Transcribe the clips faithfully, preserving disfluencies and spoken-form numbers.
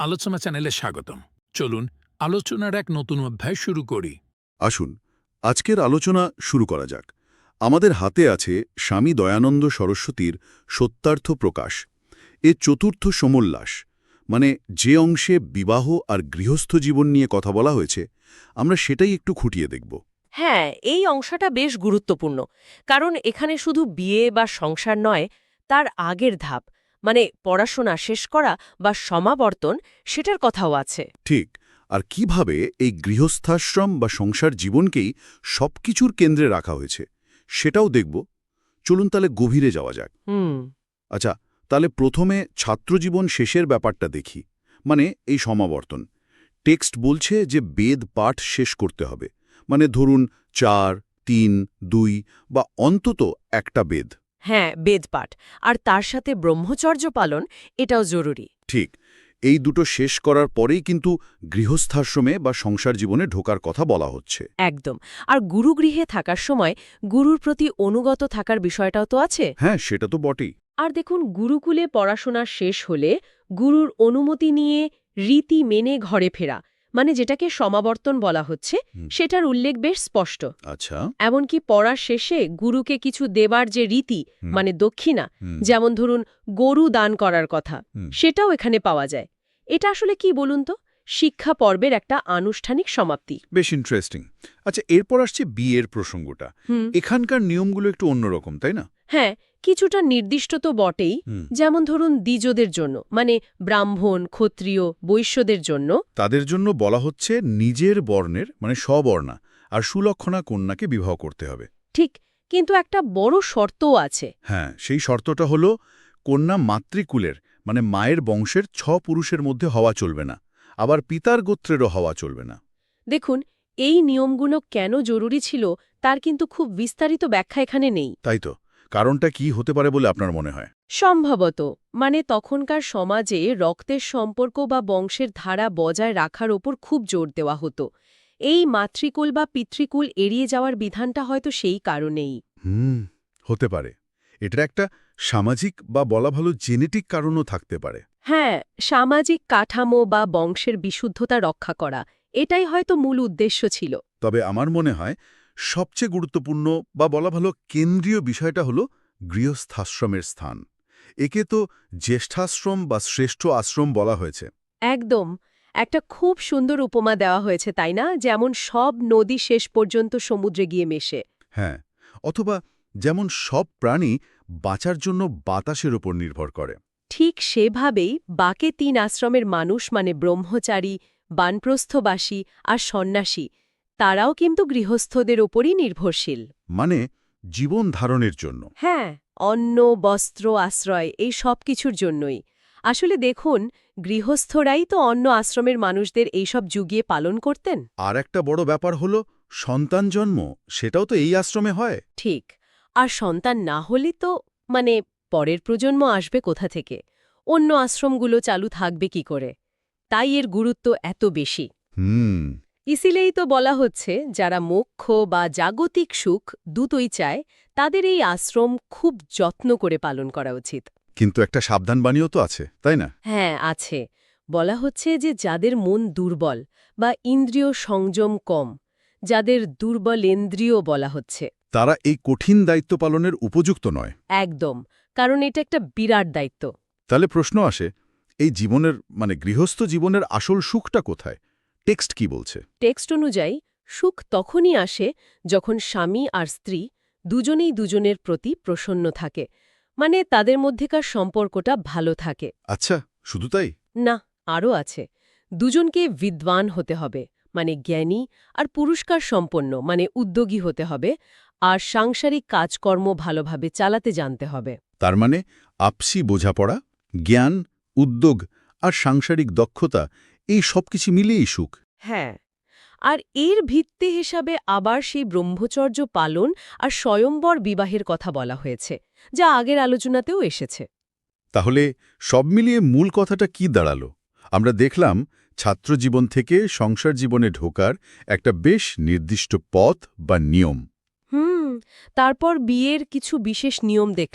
আলোচনা চ্যানেলে স্বাগতম। চলুন আলোচনার এক নতুন অধ্যায় শুরু করি। আসুন আজকের আলোচনা শুরু করা যাক। আমাদের হাতে আছে স্বামী দয়ানন্দ সরস্বতীর সত্যার্থ প্রকাশ, এর চতুর্থ সমোল্লাস, মানে যে অংশে বিবাহ আর গৃহস্থ জীবন নিয়ে কথা বলা হয়েছে, আমরা সেটাই একটু খুঁটিয়ে দেখব। হ্যাঁ, এই অংশটা বেশ গুরুত্বপূর্ণ, কারণ এখানে শুধু বিয়ে বা সংসার নয়, তার আগের ধাপ মানে পড়াশোনা শেষ করা বা সমাবর্তন, সেটার কথাও আছে। ঠিক, আর কিভাবে এই গৃহস্থাশ্রম বা সংসার জীবনকেই সবকিছুর কেন্দ্রে রাখা হয়েছে সেটাও দেখব। চলুন তাহলে গভীরে যাওয়া যাক। হুম আচ্ছা, তাহলে প্রথমে ছাত্রজীবন শেষের ব্যাপারটা দেখি, মানে এই সমাবর্তন। টেক্সট বলছে যে বেদ পাঠ শেষ করতে হবে, মানে ধরুন চার, তিন, দুই বা অন্তত একটা বেদ। হ্যাঁ, বেদপাঠ আর তার সাথে ব্রহ্মচর্য পালন, এটাও জরুরি। ঠিক, এই দুটো শেষ করার পরেই কিন্তু গৃহস্থাশ্রমে বা সংসার জীবনে ঢোকার কথা বলা হচ্ছে। একদম। আর গুরুগৃহে থাকার সময় গুরুর প্রতি অনুগত থাকার বিষয়টাও তো আছে। হ্যাঁ, সেটা তো বটেই। আর দেখুন, গুরুকুলে পড়াশোনা শেষ হলে গুরুর অনুমতি নিয়ে রীতি মেনে ঘরে ফেরা, মানে যেটাকে সমাবর্তন বলা হচ্ছে, সেটার উল্লেখ বেশ স্পষ্ট। আচ্ছা। এমনকি পড়ার শেষে গুরুকে কিছু দেবার যে রীতি, মানে দক্ষিণা, যেমন ধরুন গরু দান করার কথা, সেটাও এখানে পাওয়া যায়। এটা আসলে কি বলুন তো? শিক্ষা পর্বের একটা আনুষ্ঠানিক সমাপ্তি। বেশ ইন্টারেস্টিং। আচ্ছা, এরপর আসছে বিয়ের প্রসঙ্গটা। এখানকার নিয়মগুলো একটু অন্যরকম, তাই না? হ্যাঁ, কিছুটা নির্দিষ্ট তো বটেই। যেমন ধরুন দ্বিজদের জন্য, মানে ব্রাহ্মণ, ক্ষত্রিয়, বৈশ্যদের জন্য, তাদের জন্য বলা হচ্ছে নিজের বর্ণের, মানে স্ববর্ণা আর সুলক্ষণা কন্যাকে বিবাহ করতে হবে। ঠিক, কিন্তু একটা বড় শর্তও আছে। হ্যাঁ, সেই শর্তটা হলো কন্যা মাতৃকুলের, মানে মায়ের বংশের ছ পুরুষের মধ্যে হওয়া চলবে না, আবার পিতার গোত্রেরও হওয়া চলবে না। দেখুন, এই নিয়মগুলো কেন জরুরি ছিল তার কিন্তু খুব বিস্তারিত ব্যাখ্যা এখানে নেই। তাই তো, কারণটা কি হতে পারে বলে আপনার মনে হয়? সম্ভবত মানে তখনকার সমাজে রক্তের সম্পর্ক বা বংশের ধারা বজায় রাখার ওপর খুব জোর দেওয়া হতো। এই মাতৃকুল বা পিতৃকুল এড়িয়ে যাওয়ার বিধানটা হয়তো সেই কারণেই। হুম, হতে পারে। এটা একটা সামাজিক বা বলা ভালো জেনেটিক কারণও থাকতে পারে। হ্যাঁ, সামাজিক কাঠামো বা বংশের বিশুদ্ধতা রক্ষা করা, এটাই হয়তো মূল উদ্দেশ্য ছিল। তবে আমার মনে হয় সবচেয়ে গুরুত্বপূর্ণ বা বলা ভালো কেন্দ্রীয় বিষয়টা হলো গৃহস্থাশ্রমের স্থান। একে তো জ্যেষ্ঠাশ্রম বা শ্রেষ্ঠ আশ্রম বলা হয়েছে। একদম। একটা খুব সুন্দর উপমা দেওয়া হয়েছে, তাই না? যেমন সব নদী শেষ পর্যন্ত সমুদ্রে গিয়ে মেশে। হ্যাঁ, অথবা যেমন সব প্রাণী বাঁচার জন্য বাতাসের ওপর নির্ভর করে। ঠিক সেভাবেই বাকে তিন আশ্রমের মানুষ, মানে ব্রহ্মচারী, বানপ্রস্থবাসী আর সন্ন্যাসী, তারাও কিন্তু গৃহস্থদের ওপরই নির্ভরশীল। মানে জীবন ধারণের জন্য। হ্যাঁ, অন্ন, বস্ত্র, আশ্রয়, এই সব কিছুর জন্যই। আসলে দেখুন, গৃহস্থরাই তো অন্য আশ্রমের মানুষদের এইসব যুগিয়ে পালন করতেন। আর একটা বড় ব্যাপার হলো সন্তান জন্ম, সেটাও তো এই আশ্রমে হয়। ঠিক। আর সন্তান না হলে তো মানে পরের প্রজন্ম আসবে কোথা থেকে? অন্য আশ্রমগুলো চালু থাকবে কি করে? তাই এর গুরুত্ব এত বেশি। হুম। ইসিলেই তো বলা হচ্ছে, যারা মোক্ষ বা জাগতিক সুখ দুটোই চায়, তাদের এই আশ্রম খুব যত্ন করে পালন করা উচিত। কিন্তু একটা সাবধানবাণীও তো আছে, তাই না? হ্যাঁ, আছে। বলা হচ্ছে যে যাদের মন দুর্বল বা ইন্দ্রিয় সংযম কম, যাদের দুর্বলেন্দ্রিয় বলা হচ্ছে, তারা এই কঠিন দায়িত্ব পালনের উপযুক্ত নয়। একদম, কারণ এটা একটা বিরাট দায়িত্ব। তাহলে প্রশ্ন আসে, এই জীবনের মানে গৃহস্থ জীবনের আসল সুখটা কোথায়? টেক্সট কি বলছে? টেক্সট অনুযায়ী সুখ তখনই আসে যখন স্বামী আর স্ত্রী দুজনেই দুজনের প্রতি প্রসন্ন থাকে, মানে তাদের মধ্যেকার সম্পর্কটা ভালো থাকে। আচ্ছা, শুধু তাই? না, আরও আছে। দুজনকে বিদ্বান হতে হবে, মানে জ্ঞানী, আর পুরস্কার সম্পন্ন, মানে উদ্যোগী হতে হবে, আর সাংসারিক কাজকর্ম ভালোভাবে চালাতে জানতে হবে। তার মানে আপসি বোঝাপড়া, জ্ঞান, উদ্যোগ আর সাংসারিক দক্ষতা, এই সব কিছু মিলিয়েই সুখ। হ্যাঁ, আর এর ভিত্তি হিসাবে আবার সেই ব্রহ্মচর্য পালন আর স্বয়ম্বর বিবাহের কথা বলা হয়েছে, যা আগের আলোচনাতেও এসেছে। তাহলে সব মিলিয়ে মূল কথাটা কি দাঁড়ালো? আমরা দেখলাম ছাত্রজীবন থেকে সংসার জীবনে ঢোকার একটা বেশ নির্দিষ্ট পথ বা নিয়ম। হুম, তারপর বিয়ের কিছু বিশেষ নিয়ম দেখলাম।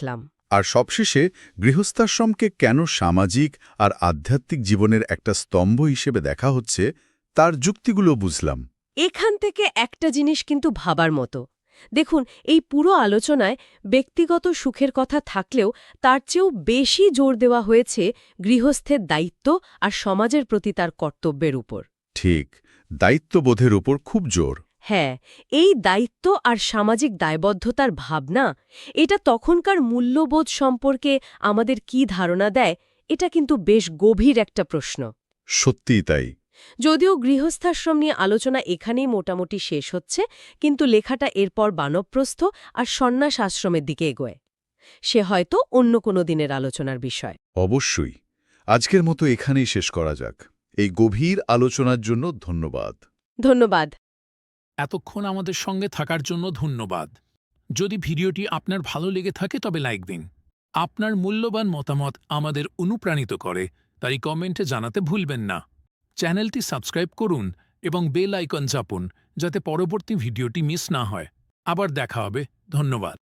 আর সবশেষে গৃহস্থাশ্রমকে কেন সামাজিক আর আধ্যাত্মিক জীবনের একটা স্তম্ভ হিসেবে দেখা হচ্ছে তার যুক্তিগুলো বুঝলাম। এখান থেকে একটা জিনিস কিন্তু ভাবার মতো। দেখুন, এই পুরো আলোচনায় ব্যক্তিগত সুখের কথা থাকলেও তার চেয়েও বেশি জোর দেওয়া হয়েছে গৃহস্থের দায়িত্ব আর সমাজের প্রতি তার কর্তব্যের উপর। ঠিক, দায়িত্ববোধের উপর খুব জোর। হ্যাঁ, এই দায়িত্ব আর সামাজিক দায়বদ্ধতার ভাবনা, এটা তখনকার মূল্যবোধ সম্পর্কে আমাদের কি ধারণা দেয়, এটা কিন্তু বেশ গভীর একটা প্রশ্ন। সত্যিই তাই। যদিও গৃহস্থাশ্রম নিয়ে আলোচনা এখানেই মোটামুটি শেষ হচ্ছে, কিন্তু লেখাটা এরপর বানপ্রস্থ আর সন্ন্যাস আশ্রমের দিকে এগোয়। সে হয়তো অন্য কোনো দিনের আলোচনার বিষয়। অবশ্যই। আজকের মতো এখানেই শেষ করা যাক। এই গভীর আলোচনার জন্য ধন্যবাদ। ধন্যবাদ। এতক্ষণ আমাদের সঙ্গে থাকার জন্য ধন্যবাদ। যদি ভিডিওটি আপনার ভালো লেগে থাকে তবে লাইক দিন। আপনার মূল্যবান মতামত আমাদের অনুপ্রাণিত করে, তাই কমেন্টে জানাতে ভুলবেন না। চ্যানেলটি সাবস্ক্রাইব করুন এবং বেল আইকন চাপুন, যাতে পরবর্তী ভিডিওটি মিস না হয়। আবার দেখা হবে। ধন্যবাদ।